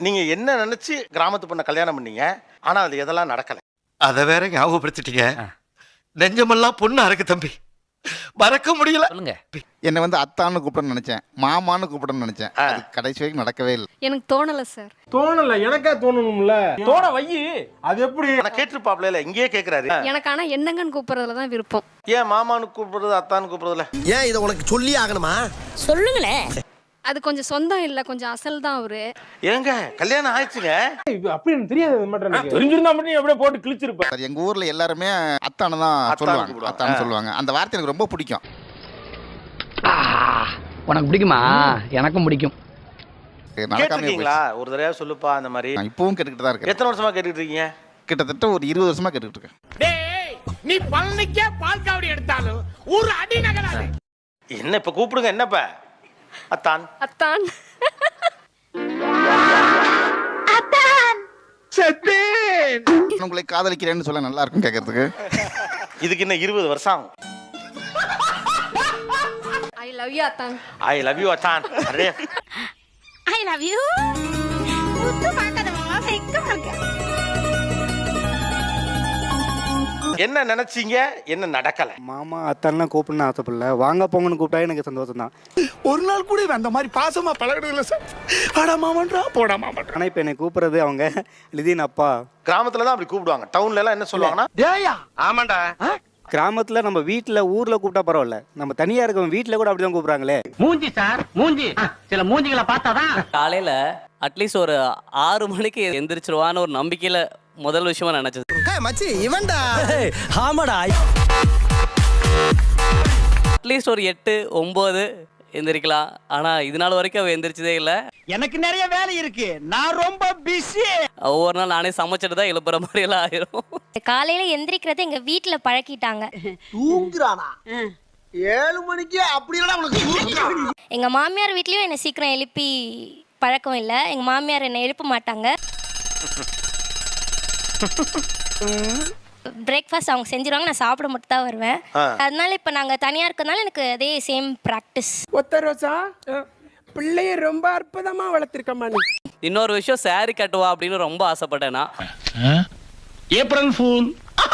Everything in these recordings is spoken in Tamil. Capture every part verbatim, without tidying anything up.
நீங்க என்ன நினைச்சு கிராமத்து பொண்ணை கல்யாணம் பண்ணீங்க, ஆனா அது எதெல்லாம் நடக்கல. அதை வேற ஞாபகப்படுத்திட்டீங்க. நெஞ்சமெல்லாம் பொண்ணு அறக்கு தம்பி, மறக்க முடியல. சொல்லுங்க. என்னை வந்து அத்தான்னு கூப்பிடணும்னு நினைச்சேன், மாமான்னு கூப்பிடணும்னு நினைச்சேன். அது கடைசி வரைக்கும் நடக்கவே இல்லை. எனக்கு தோணல சார். தோணல, எனக்கா தோணணும்ல. தோண வையி. அது எப்படி? நான் கேட்டிருப்பாப்ல, இல்ல இங்கேயே கேக்குறாரு. எனக்கு ஆனா என்னங்கன்னு கூப்பிடுறதுல தான் விருப்பம். ஏன் மாமான்னு கூப்பிடுறது அத்தான்னு கூப்பிடுறதுல? ஏன் இதை உனக்கு சொல்லி ஆகணுமா? சொல்லுங்களேன். அது கொஞ்சம் சொந்தம் இல்ல, கொஞ்சம் அசல் தான் அவரு. ஏங்க கல்யாணம் ஆயிடுச்சுங்க. அப்படி எனக்கு தெரியாது. மட்டும் தெரிஞ்சிருந்தா மட்டும் அப்படியே போட்டு கிழிச்சிருப்பேன். எங்க ஊர்ல எல்லாருமே அத்தானு தான் சொல்லுவாங்க, அத்தானு சொல்லுவாங்க. அந்த வார்த்தை எனக்கு ரொம்ப பிடிக்கும். உனக்கு பிடிக்குமா? எனக்கும் பிடிக்கும். கேட்டிருக்கீங்களா? ஒரு தடவை சொல்லுப்பா அந்த மாதிரி. நான் இப்பவும் கேட்டுக்கிட்டு தான் இருக்கேன். எத்தனை வருஷமா கேட்டுட்டு இருக்கீங்க? கிட்டத்தட்ட ஒரு இருபது வருஷமா கேட்டுக்கிட்டு இருக்கேன். நீ பழனிக்கே பால் காவடி எடுத்தாலும் ஒரு அடி நகராது. என்ன இப்ப கூப்பிடுங்க, என்னப்ப அத்தான் அத்தான் உங்களை காதலிக்கிறேன்னு சொல்ல நல்லா இருக்கும் கேட்கறதுக்கு. இதுக்கு இன்னும் இருபது வருஷம் ஆகும். ஐ லவ் யூ அத்தான். ஐ லவ் யூ அத்தான். அரே ஐ லவ் யூ. முத்து பார்க்காத மாமா, வெக்கமா இருக்கு. என்ன நினைச்சீங்க, என்ன நடக்கல? மாமா அத்தான்லாம் கூப்பிடணும் ஆசைப்படல, வாங்க போங்கன்னு கூப்பிட்டா எனக்கு சந்தோஷம் தான். ஒரு நாள் கூட அந்த மாதிரி பாசமா பழகிறது இல்லை சார். வாடா மாமன்றா, போடா மாமன்றா. ஆனால் இப்போ என்னை கூப்பிட்றது அவங்க லிதின் அப்பா. கிராமத்துல தான் அப்படி கூப்பிடுவாங்க. டவுன்ல எல்லாம் என்ன சொல்லுவாங்கன்னா, டேயா ஆமாண்டா. கிராமத்தில் நம்ம வீட்டில் ஊரில் கூப்பிட்டா பரவாயில்ல, நம்ம தனியாக இருக்கவங்க வீட்டில் கூட அப்படி தான் கூப்பிட்றாங்களே. மூஞ்சி சார், மூஞ்சி. சில மூஞ்சிகளை பார்த்தாதான். காலையில அட்லீஸ்ட் ஒரு ஆறு மணிக்கு எந்திரிச்சிருவான்னு ஒரு நம்பிக்கையில முதல் விஷயமா நினைச்சது. மச்சி இவன்டா. ஆமாடா. அட்லீஸ்ட் ஒரு எட்டு ஒன்பது எந்திரிக்கலாம். ஆனா இது நாள் வரைக்கும் அவ எந்திரிச்சதே இல்ல. எனக்கு நிறைய வேலை இருக்கு, நான் ரொம்ப பிஸி. ஒவ்வொரு நாள் நானே சமைச்சிட்டு தான் எழுப்புற மாதிரி எல்லாம் ஆயிரும். காலையில எந்திரிக்கிறத எங்க வீட்டுல பழக்கிட்டாங்க. தூங்குறானா? ஏழு மணிக்கு அப்படின்னா உனக்கு? எங்க மாமியார் வீட்லயும் என்னை சீக்கிரம் எழுப்பி பழக்கம் இல்லை. எங்க மாமியார் என்னை எழுப்ப மாட்டாங்க. பிரேக்ஃபாஸ்ட் அவங்க செஞ்சிருவாங்க, நான் சாப்பிட மட்டும் தான் வருவேன். அதனால இப்போ நாங்கள் தனியாக இருக்கிறதுனால எனக்கு அதே சேம் ப்ராக்டிஸ். ஒத்த ரோசா பிள்ளைய ரொம்ப அற்புதமா வளர்த்திருக்கமா நீ. இன்னொரு விஷயம், சாரி கட்டுவா அப்படின்னு ரொம்ப ஆசைப்பட்டேன்னா ஏப்ரல் ஃபூல்.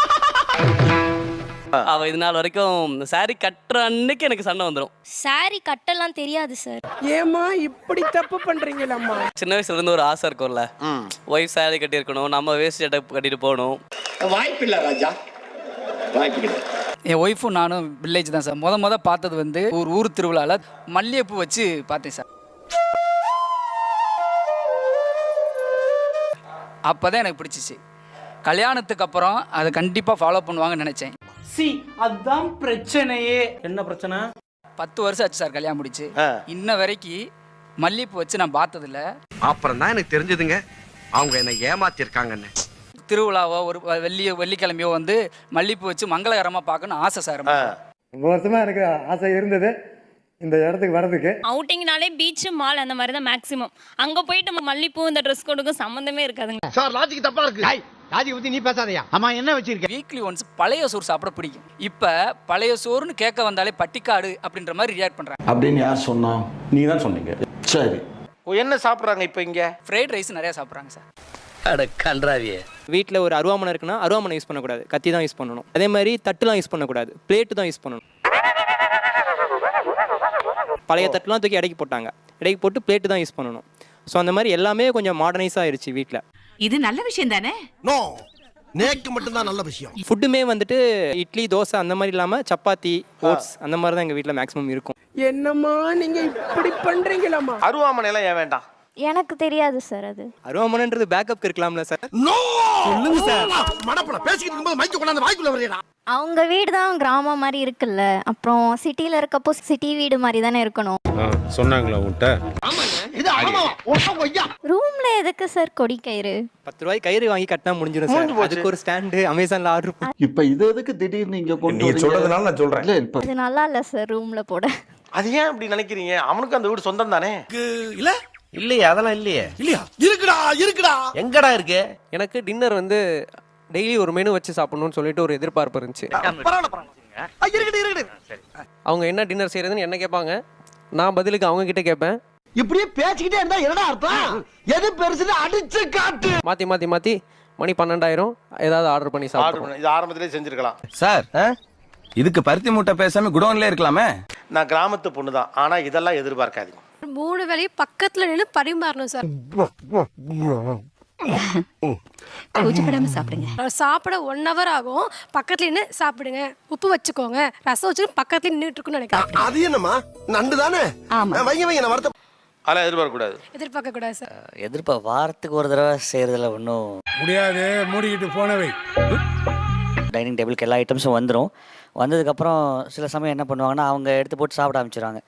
அவ இது நாள் வரைக்கும் சாரி கட்டுற அன்னைக்கு எனக்கு சண்டை வந்துடும். சாரி கட்டெல்லாம் தெரியாது சார். ஏமா இப்படி தப்பு பண்றீங்களம்மா? சின்ன வயசுல இருந்து ஒரு ஆசை இருக்கும்ல, ஒய்ஃப் சாரி கட்டி இருக்கணும், நம்ம வேஸ்ட் சட்டை கட்டிட்டு போகணும். வாய்ப்பு இல்ல ராஜா, வாய்ப்பு இல்லை. என் ஒய்ஃபும் நானும் வில்லேஜ் தான் சார். முத முத பார்த்தது வந்து ஒரு ஊர் திருவிழாவில் மல்லிகைப்பூ வச்சு பார்த்தேன் சார். அப்போ தான் எனக்கு பிடிச்சிச்சு. கல்யாணத்துக்கு அப்புறம் அதை கண்டிப்பாக ஃபாலோ பண்ணுவாங்கன்னு நினச்சேன். சி அதான் பிரச்சனையே. என்ன பிரச்சனை? பத்து வருஷம் ஆச்சு சார் கல்யாணம் முடிச்சு. இன்ன வரைக்கும் மல்லிகைப்பூ வச்சு நான் பார்த்ததில்ல. அப்புறம் தான் எனக்கு தெரிஞ்சதுங்க அவங்க என்ன ஏமாத்திருக்காங்கன்னு. திருவிழாவோ ஒரு வெள்ளி வெள்ளிக்கிழமையோ வந்து மல்லிகைப்பூ வச்சு மங்களகரமாக பார்க்கணும்னு ஆசை சார். ரொம்ப வருஷமாக எனக்கு ஆசை இருந்தது இந்த இடத்துக்கு வர்றதுக்கு. அவுட்டிங்னாலே பீச் மால் அந்த மாதிரி தான் மேக்ஸிமம். அங்க போயிட்டு நம்ம மல்லிப்பூ இந்த ட்ரெஸ் கோடுக்கும் சம்பந்தமே இருக்காதுங்க சார். லாஜிக் தப்பா இருக்கு. லாஜிக் பத்தி நீ பேசாதயா. ஆமா, என்ன வச்சிருக்க? வீக்லி ஒன்ஸ் பழைய சோறு சாப்பிட பிடிக்கும். இப்போ பழைய சோறுன்னு கேட்க வந்தாலே பட்டிக்காடு அப்படின்ற மாதிரி ரியாக்ட் பண்றாங்க. அப்படின்னு யார் சொன்னா? நீங்க தான் சொன்னீங்க. சரி, என்ன சாப்பிட்றாங்க இப்போ இங்க? ஃப்ரைட் ரைஸ் நிறைய சாப்பிட்றாங்க சார். அட கன்றாவியே. வீட்டில் ஒரு அருவாமனை இருக்குன்னா அருவாமனை யூஸ் பண்ணக்கூடாது, கத்தி தான் யூஸ் பண்ணணும். அதே மாதிரி தட்டுலாம் யூஸ் பண்ணக்கூடாது, பிளேட்டு தான் யூஸ் பண்ணணும். பழைய தட்டுலாம் தூக்கி இடைக்கு போட்டாங்க, இடைக்கு போட்டு பிளேட்டு தான் யூஸ் பண்ணணும். ஸோ அந்த மாதிரி எல்லாமே கொஞ்சம் மாடர்னைஸ் ஆயிடுச்சு வீட்டில். இது நல்ல விஷயம் தானே? நோ, நேக்கு மட்டும்தான் நல்ல விஷயம். ஃபுட்டுமே வந்துட்டு இட்லி தோசை அந்த மாதிரி இல்லாமல் சப்பாத்தி ஓட்ஸ் அந்த மாதிரி தான் எங்கள் வீட்டில் மேக்ஸிமம் இருக்கும். என்னம்மா நீங்க இப்படி பண்றீங்களாம்மா? அருவாமனை எல்லாம் ஏன் வேண்டாம்? எனக்கு தெரியாது சார். அது அருவாமனைன்றது பேக்கப் இருக்கலாம்ல சார். சொல்லுங்க சார். மடப்பட பேசிக்கிட்டு இருக்கும்போது மைக்க கொண்டாந்து வாய்க்குள்ள வரீடா. அவங்க வீடு தான் கிராமம் மாதிரி இருக்குல்ல, அப்புறம் சிட்டியில் இருக்கப்போ சிட்டி வீடு மாதிரி தானே இருக்கணும். சொன்னாங்களா உன்கிட்ட? ரூம்ல எதுக்கு சார் கொடி கயிறு? பத்து ரூபாய் கயிறு வாங்கி கட்டினா முடிஞ்சிடும் சார். அதுக்கு ஒரு ஸ்டாண்டு அமேசான்ல ஆர்டர் பண்ணி. இப்ப இது எதுக்கு திடீர்னு இங்க கொண்டு நீங்க சொல்றதுனால நான் சொல்றேன். இல்ல இப்ப இது நல்லா இல்ல சார் ரூம்ல போட. அது ஏன் அப்படி நினைக்கிறீங்க? அவனுக்கு அந்த வீடு சொந்தம் தானே. இல்ல இல்லையே, அதெல்லாம் இல்லையே. இல்லையா? இருக்குடா இருக்குடா. எங்கடா இருக்கு? எனக்கு டின்னர் வந்து டெய்லி ஒரு மெனு வச்சு சாப்பிடணும்னு சொல்லிட்டு ஒரு எதிர்பார்ப்பு இருந்துச்சு. அவங்க என்ன டின்னர் செய்யறதுன்னு என்ன கேட்பாங்க, நான் பதிலுக்கு அவங்க கிட்ட கேட்பேன். இப்படியே பேசிக்கிட்டே இருந்தா என்னடா அர்த்தம்? எது பெருசுன்னு அடிச்சு காட்டு. மாற்றி மாற்றி மாற்றி மணி பன்னெண்டாயிரம் ஏதாவது ஆர்டர் பண்ணி ஆர்டர் சாப்பிடுவோம். பண்ண இது ஆரம்பத்திலே செஞ்சிருக்கலாம். சார் இதுக்கு பருத்தி மூட்டை பேசாம குடோன்ல இருக்கலாமே. நான் கிராமத்து பொண்ணு தான், ஆனா இதெல்லாம் எதிர்பார்க்காதீங்க. மூணு வேளையும் பக்கத்துல நின்று பரிமாறணும் சார். கூச்சப்படாம சாப்பிடுங்க. சாப்பிட ஒன் ஹவர் ஆகும், பக்கத்துல நின்று சாப்பிடுங்க, உப்பு வச்சுக்கோங்க, ரசம் வச்சு பக்கத்துல நின்றுட்டு இருக்குன்னு நினைக்கிறேன். அது என்னமா நண்டு தானே? வைங்க வைங்க நான் வரத. அதெல்லாம் எதிர்பார்க்க கூடாது. எதிர்பார்க்க கூடாது சார். எதிர்ப்பா வாரத்துக்கு ஒரு தடவை செய்கிறதுல ஒன்றும் முடியாது, மூடிக்கிட்டு போனவை. டைனிங் டேபிளுக்கு எல்லா ஐட்டம்ஸும் வந்துடும். வந்ததுக்கப்புறம் சில சமயம் என்ன பண்ணுவாங்கன்னா அவங்க எடுத்து போட்டு சாப்பிட ஆரம்பிச்சிடுவாங்க.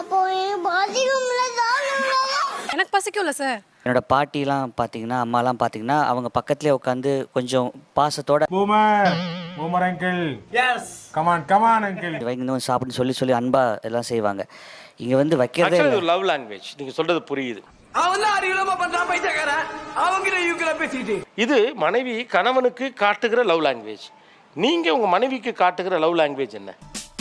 எனக்கு பசிக்கும்ல சார். என்னோட பாட்டிலாம் பார்த்தீங்கன்னா அம்மாலாம் பார்த்தீங்கன்னா அவங்க பக்கத்துலேயே உட்காந்து கொஞ்சம் பாசத்தோட boomer boomer uncle yes come on come on uncle வைங்க சாப்பிடுன்னு சொல்லி சொல்லி அன்பா எல்லாம் செய்வாங்க. இங்கே வந்து வைக்கிறதே Actually, இது லவ் லாங்குவேஜ். நீங்க சொல்றது புரியுது. இது மனைவி கணவனுக்கு காட்டுகிற லவ் லாங்குவேஜ். நீங்க உங்க மனைவிக்கு காட்டுகிற லவ் லாங்குவேஜ் என்ன?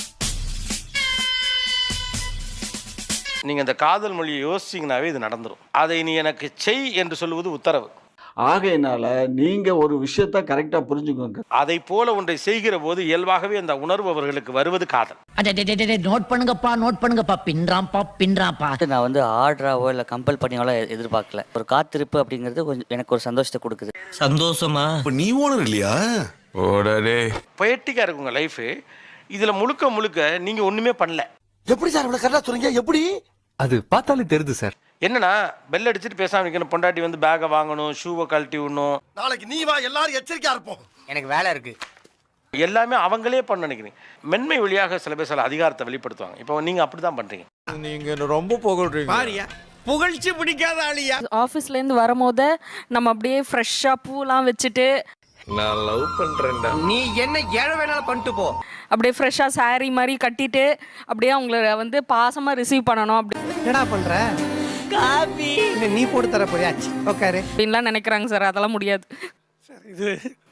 நீங்க இந்த காதல் மொழியை யோசிச்சீங்கன்னாவே இது நடந்துரும். அதை நீ எனக்கு செய் என்று சொல்லுவது உத்தரவு. ஆகையினால நீங்க ஒரு விஷயத்தை கரெக்டா புரிஞ்சுக்கோங்க. அதை போல ஒன்றை செய்கிற போது இயல்பாகவே அந்த உணர்வு அவர்களுக்கு வருவது காதல். நோட் பண்ணுங்கப்பா நோட் பண்ணுங்கப்பா பின்றாம்பா பின்றாம்பா. நான் வந்து ஆர்டராவோ இல்லை கம்பல் பண்ணியாவோ எதிர்பார்க்கல. ஒரு காத்திருப்பு அப்படிங்கிறது கொஞ்சம் எனக்கு ஒரு சந்தோஷத்தை கொடுக்குது. சந்தோஷமா? நீ ஓனர் இல்லையா? ஓடரே. பொயட்டிக்கா இருக்குங்க லைஃப். இதுல முழுக்க முழுக்க நீங்க ஒண்ணுமே பண்ணல. எப்படி சார் இவ்வளவு கரெக்டா சொல்றீங்க? எப்படி? அது பார்த்தாலே தெரியுது சார். என்னன்னா பெல் அடிச்சுட்டு பேசாம இருக்கணும். பொண்டாட்டி வந்து பேக்கை வாங்கணும், ஷூவை கழட்டி விடணும். நாளைக்கு நீ வா, எல்லாரும் எச்சரிக்கையா இருப்போம். எனக்கு வேலை இருக்கு. எல்லாமே அவங்களே பண்ண நினைக்கிறீங்க. மென்மை வழியாக சில பேர் சில அதிகாரத்தை வெளிப்படுத்துவாங்க. இப்போ நீங்க அப்படிதான் பண்றீங்க. நீங்க ரொம்ப புகழ்றீங்க. பாரியா புகழ்ச்சி பிடிக்காத ஆளியா? ஆஃபீஸ்ல இருந்து வரும்போது நம்ம அப்படியே ஃப்ரெஷ்ஷா பூலாம் வச்சுட்டு நான் லவ் பண்றேன்டா. நீ என்ன ஏழை வேணாலும் பண்ணிட்டு போ. அப்படியே ஃப்ரெஷ்ஷா சாரி மாதிரி கட்டிட்டு அப்படியே அவங்கள வந்து பாசமா ரிசீவ் பண்ணணும் அப்படி என்னடா பண்ற? காபி நீ போட்டு தர போறியா? உட்காரு அப்படின்லாம் நினைக்கிறாங்க சார். அதெல்லாம் முடியாது சார். இது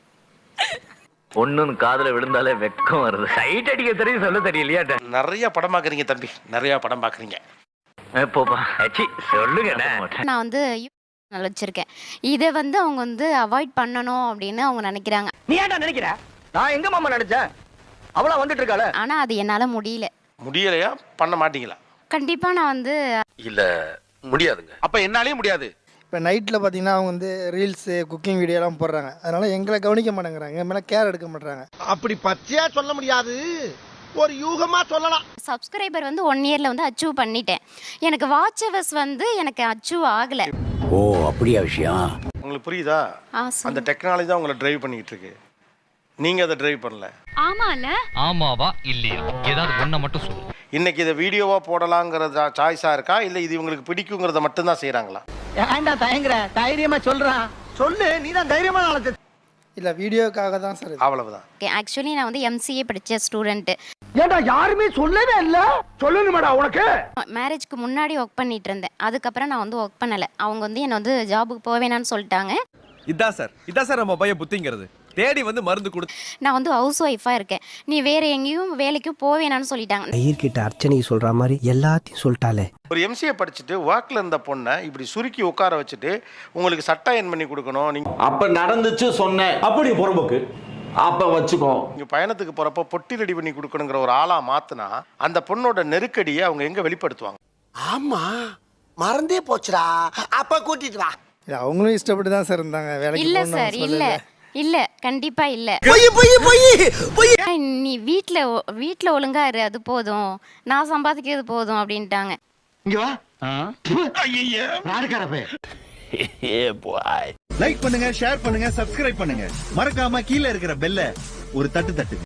பொண்ணுன்னு காதுல விழுந்தாலே வெக்கம் வருது. சைட் அடிக்க தெரியும் சொல்ல தெரியலையா? நிறைய படம் பாக்குறீங்க தம்பி, நிறைய படம் பாக்குறீங்க. சொல்லுங்க. நான் வந்து வச்சிருக்கேன். இதை வந்து அவங்க வந்து அவாய்ட் பண்ணணும் அப்படின்னு அவங்க நினைக்கிறாங்க. நீ ஏன்டா நினைக்கிற? நான் எங்க மாமா நினைச்சேன். அவளா வந்துட்டு இருக்காள. ஆனா அது என்னால முடியல. முடியலையா? பண்ண மாட்டீங்களா? கண்டிப்பா நான் வந்து இல்ல முடியாதுங்க. அப்ப என்னாலே முடியாது. இப்போ நைட்டில் பார்த்தீங்கன்னா அவங்க வந்து ரீல்ஸு குக்கிங் வீடியோலாம் போடுறாங்க. அதனால எங்களை கவனிக்க மாட்டேங்கிறாங்க, என் மேலே கேர் எடுக்க மாட்டேறாங்க. அப்படி பச்சையா சொல்ல முடியாது, ஒரு யூகமா சொல்லலாம். சப்ஸ்கிரைபர் வந்து ஒன் இயர்ல வந்து அச்சீவ் பண்ணிட்டேன். எனக்கு வாட்ச் ஹவர்ஸ் வந்து எனக்கு அச்சீவ் ஆகல. ஓ அப்படியா விஷயம்? உங்களுக்கு புரியுதா? அந்த டெக்னாலஜி தான் உங்களை டிரைவ் பண்ணிட்டு இருக்கு. நீங்க அதை டிரைவ் பண்ணல. ஆமால? ஆமாவா இல்லையா? ஏதாவது ஒண்ண மட்டும் சொல்லு. இன்னைக்கு இதை வீடியோவா போடலாங்கிறத சாய்ஸா இருக்கா, இல்ல இது இவங்களுக்கு பிடிக்குங்கிறத மட்டும் தான் செய்யறாங்களா? ஏன்டா தயங்குற? தைரியமா சொல்றான். சொல்லு, நீ தான் தைரியமான ஆளு. இல்லை வீடியோக்காக தான் சார். அவ்வளவுதான். ஆக்சுவலி நான் வந்து எம்சிஏ படிச்ச ஸ்டூடெண்ட். ஏன்டா யாருமே சொல்லவே இல்ல? சொல்லணுமாடா உனக்கு? மேரேஜ்க்கு முன்னாடி ஒர்க் பண்ணிட்டு இருந்தேன். அதுக்கப்புறம் நான் வந்து ஒர்க் பண்ணல. அவங்க வந்து என்ன வந்து ஜாபுக்கு போக வேணாம்னு சொல்லிட்டாங்க. இதான் சார் இதான் சார் நம்ம பையன் புத்திங்கிறது. தேடி வந்து மருந்து கொடு. நான் வந்து ஹவுஸ் ஒய்ஃபா இருக்கேன். நீ வேற எங்கேயும் வேலைக்கும் போக வேணாம்னு சொல்லிட்டாங்க. ஐயர்கிட்ட அர்ச்சனைக்கு சொல்ற மாதிரி எல்லாத்தையும் சொல்லிட்டாலே. ஒரு எம்சிஏ படிச்சுட்டு ஒர்க்ல இருந்த பொண்ணை இப்படி சுருக்கி உட்கார வச்சுட்டு உங்களுக்கு சட்டை என் பண்ணி கொடுக்கணும். நீங்க அப்ப நடந்துச்சு சொன்னேன். அப்படி புறம்போக்கு அப்ப வச்சுக்கோ. நீங்க பயணத்துக்கு போறப்ப பொட்டி ரெடி பண்ணி கொடுக்கணுங்கிற ஒரு ஆளா மாத்தினா அந்த பொண்ணோட நெருக்கடியை அவங்க எங்க வெளிப்படுத்துவாங்க? ஆமா மறந்தே போச்சுடா. அப்ப கூட்டிட்டு வா. அவங்களும் இஷ்டப்பட்டு தான் சார் இருந்தாங்க வேலைக்கு. இல்ல சார் இல்ல இல்ல கண்டிப்பா இல்ல. நீ வீட்ல வீட்ல ஒழுங்கா இரு, அது போதும், நான் சம்பாதிக்கிறது போதும் அப்படின்ட்டாங்க. இங்க வா. ஐயா ராடுகாரப்பே. ஏ பாய். லைக் பண்ணுங்க, ஷேர் பண்ணுங்க, சப்ஸ்கிரைப் பண்ணுங்க. மறக்காம கீழ இருக்கிற பெல்ல ஒரு தட்டு தட்டு.